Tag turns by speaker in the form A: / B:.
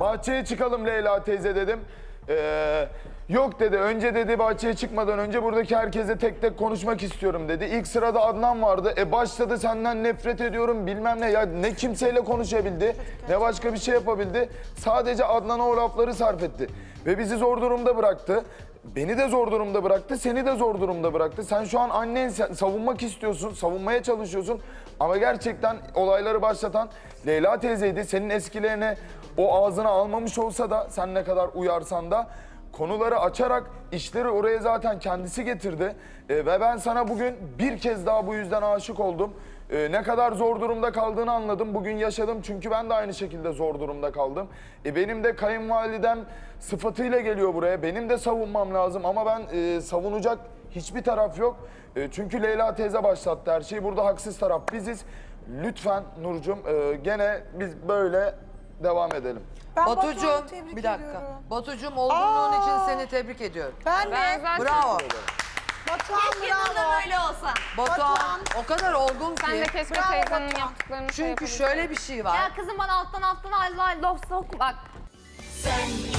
A: Bahçeye çıkalım Leyla teyze dedim. Yok dedi, önce dedi bahçeye çıkmadan önce buradaki herkese tek tek konuşmak istiyorum dedi. İlk sırada Adnan vardı. Başladı senden nefret ediyorum bilmem ne. Ya ne kimseyle konuşabildi, ne başka bir şey yapabildi. Sadece Adnan'a o lafları sarf etti. Ve bizi zor durumda bıraktı. Beni de zor durumda bıraktı, seni de zor durumda bıraktı. Sen şu an annen savunmak istiyorsun, savunmaya çalışıyorsun. Ama gerçekten olayları başlatan Leyla teyzeydi. Senin eskilerine o ağzına almamış olsa da sen ne kadar uyarsan da konuları açarak işleri oraya zaten kendisi getirdi. Ve ben sana bugün bir kez daha bu yüzden aşık oldum. Ne kadar zor durumda kaldığını anladım. Bugün yaşadım çünkü ben de aynı şekilde zor durumda kaldım. Benim de kayınvalidem sıfatıyla geliyor buraya. Benim de savunmam lazım ama ben savunacak hiçbir taraf yok. Çünkü Leyla teyze başlattı her şeyi. Burada haksız taraf biziz. Lütfen Nurcuğum gene biz böyle devam edelim.
B: Ben
C: Batucuğum,
B: Batuhan'ı tebrik
C: bir dakika.
B: ediyorum.
C: Batucuğum olgunluğun için seni tebrik ediyorum.
B: Ben de.
C: Bravo.
B: Batuhan
D: Keşke
B: bravo.
D: bundan öyle olsa.
C: Batuhan o kadar olgun
E: Sen de
C: ki.
E: keşke
B: Bravo
E: teyzenin
B: Batuhan.
E: yaptıklarını
C: Çünkü şöyle bir şey var.
D: Ya kızım bana alttan Allah laf sok bak.
F: Sen